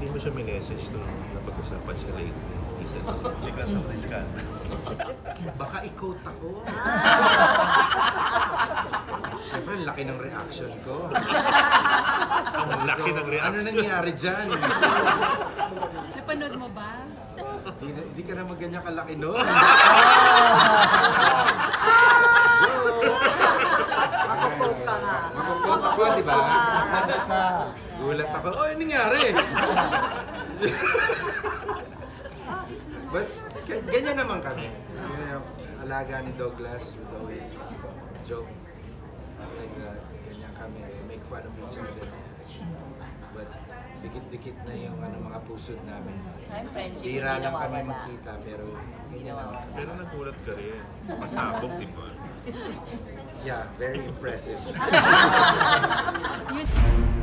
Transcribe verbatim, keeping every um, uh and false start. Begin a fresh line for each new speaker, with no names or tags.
hindi mo siya minessage nung napag-usapan siya lately?
Because of this ka.
Baka i-quote ako. Siyempre, ang laki ng reaction ko.
Ang laki ng
Ano
reaction.
nangyari dyan?
Napanood mo ba?
Di, na- di ka na magganyan kalaki nun.
Makukot ka nga.
Makukot ako, di ba? Gulat ako. Oh, ano nangyari? But, g- ganyan naman kami. Yun yung alaga ni Douglas would always joke like that. Ganyan kami. Make fun of each other. But, dikit-dikit na yung ano, mga pusod namin.
Time friendship,
Bira
hindi
lang kami
nawawala.
magkita, pero ganyan naman.
Pero nagulat ka rin. Pasabog, di ba?
Yeah, very impressive.
Yun.